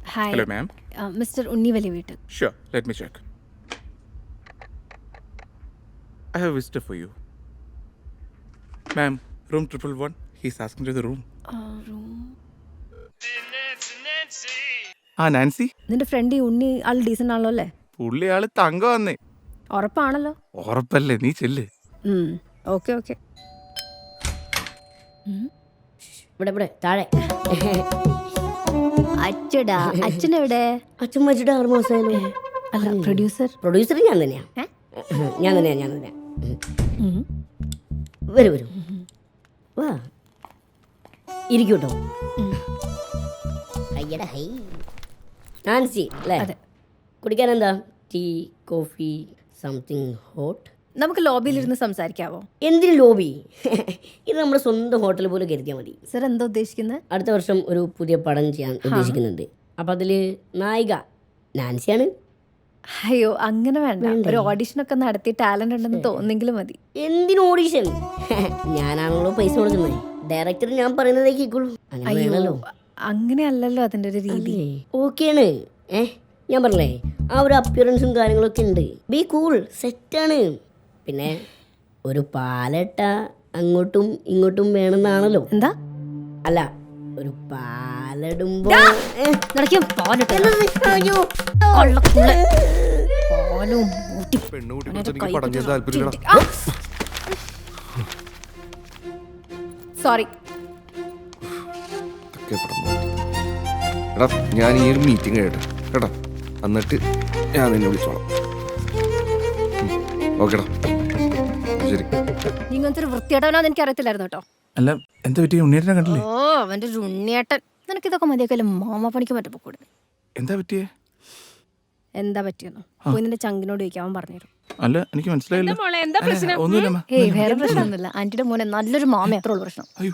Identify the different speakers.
Speaker 1: Hi
Speaker 2: Hello, ma'am.
Speaker 1: Mister ഉണ്ണിവലി വീട്ടിൽ.
Speaker 2: Sure, let me check. I have a visitor for you. Ma'am, room 111. He's asking to the room. Nancy
Speaker 1: നിന്റെ friend ഈ ഉണ്ണി ആൾ decent ആണല്ലോ അല്ലേ?
Speaker 2: പുള്ളി ആള് തങ്ക വന്നേ.
Speaker 1: ഉറപ്പാണല്ലോ.
Speaker 2: ഉറപ്പല്ലേ, നീ ചെല്ല്.
Speaker 1: Okay okay.
Speaker 3: ഇവിടെ താഴെ
Speaker 1: അച്ചടാ, അച്ഛനെവിടെ?
Speaker 3: അച്ഛൻ വെച്ചിട്ട് 6 മാസമായാലും.
Speaker 1: അല്ല, പ്രൊഡ്യൂസർ
Speaker 3: ഞാൻ തന്നെയാ. വരൂ വാ ഇരിക്കൂട്ടോ. അയ്യടാ ഹൈ നാൻസി അല്ലേ?
Speaker 1: അതെ.
Speaker 3: കുടിക്കാൻ എന്താ? Tea, coffee, something hot?
Speaker 1: നമുക്ക് ലോബിയിലിരുന്ന് സംസാരിക്കാവോ?
Speaker 3: എന്തിനു ലോബി? ഇത് നമ്മുടെ സ്വന്തം ഹോട്ടൽ പോലെ കരുതിയാൽ മതി.
Speaker 1: സർ എന്താ ഉദ്ദേശിക്കുന്നത്?
Speaker 3: അടുത്ത വർഷം ഒരു പുതിയ പടം ചെയ്യാൻ ഉദ്ദേശിക്കുന്നുണ്ട്. അപ്പം അതിൽ നായിക നാൻസിയാണ്.
Speaker 1: അയ്യോ അങ്ങനെ വേണ്ട, ഒരു ഓഡിഷനൊക്കെ നടത്തി ടാലന്റ് ഉണ്ടെന്ന് തോന്നെങ്കിലും മതി.
Speaker 3: എന്തിനു ഓഡിഷൻ? ഞാനാണല്ലോ പൈസ കൊടുക്കുന്നത്. ഡയറക്ടർ ഞാൻ പറയുന്നതേ കേൾക്കുള്ളൂ.
Speaker 1: അയ്യോ അങ്ങനെയല്ലല്ലോ അതിന്റെ ഒരു രീതി.
Speaker 3: ഓക്കെയാണ്. ഞാൻ പറഞ്ഞേ ആ ഒരു അപ്പിയറൻസും കാര്യങ്ങളൊക്കെ ഉണ്ട്. ബി കൂൾ, സെറ്റാണ്. പിന്നെ ഒരു പാലട്ട അങ്ങോട്ടും ഇങ്ങോട്ടും വേണമെന്നാണല്ലോ.
Speaker 1: എന്താ?
Speaker 3: അല്ല, ഒരു പാലിടുമ്പോ
Speaker 1: സോറി.
Speaker 4: ഞാൻ ഈ ഒരു മീറ്റിംഗ് കഴിയട്ടെ കേട്ടോ, എന്നിട്ട് ഞാൻ നിന്നെ വിളിച്ചോളാം. ഓക്കെടാ, ശരി.
Speaker 1: ഇങ്ങനത്തെ ഒരു വൃത്തിയേട്ടവനാന്ന് എനിക്ക് അറിയത്തില്ലായിരുന്നു കേട്ടോ.
Speaker 2: അല്ല, എന്താ പറ്റിയ? ഉണ്ണിയേട്ടനെ കണ്ടില്ലേ?
Speaker 1: ഓ അവന്റെ ഒരു ഉണ്ണിയേട്ടൻ. നിനക്കിതൊക്കെ മതിയൊക്കെ മാമ പണിക്ക് പറ്റപ്പോ കൂടെ.
Speaker 2: എന്താ പറ്റിയേ?
Speaker 1: എന്താ പറ്റിയെന്നോ പോയി നിന്റെ ചങ്കിനോട് ചോദിക്കാൻ അവൻ പറഞ്ഞുതരും.
Speaker 2: അല്ല, എനിക്ക് മനസ്സിലായില്ല. ഒന്നുമില്ല.
Speaker 1: ഏയ് വേറെ പ്രശ്നമൊന്നുമില്ല. ആന്റിയുടെ മോനെ നല്ലൊരു മാമ, അത്ര ഉള്ളു പ്രശ്നം.
Speaker 2: അയ്യോ,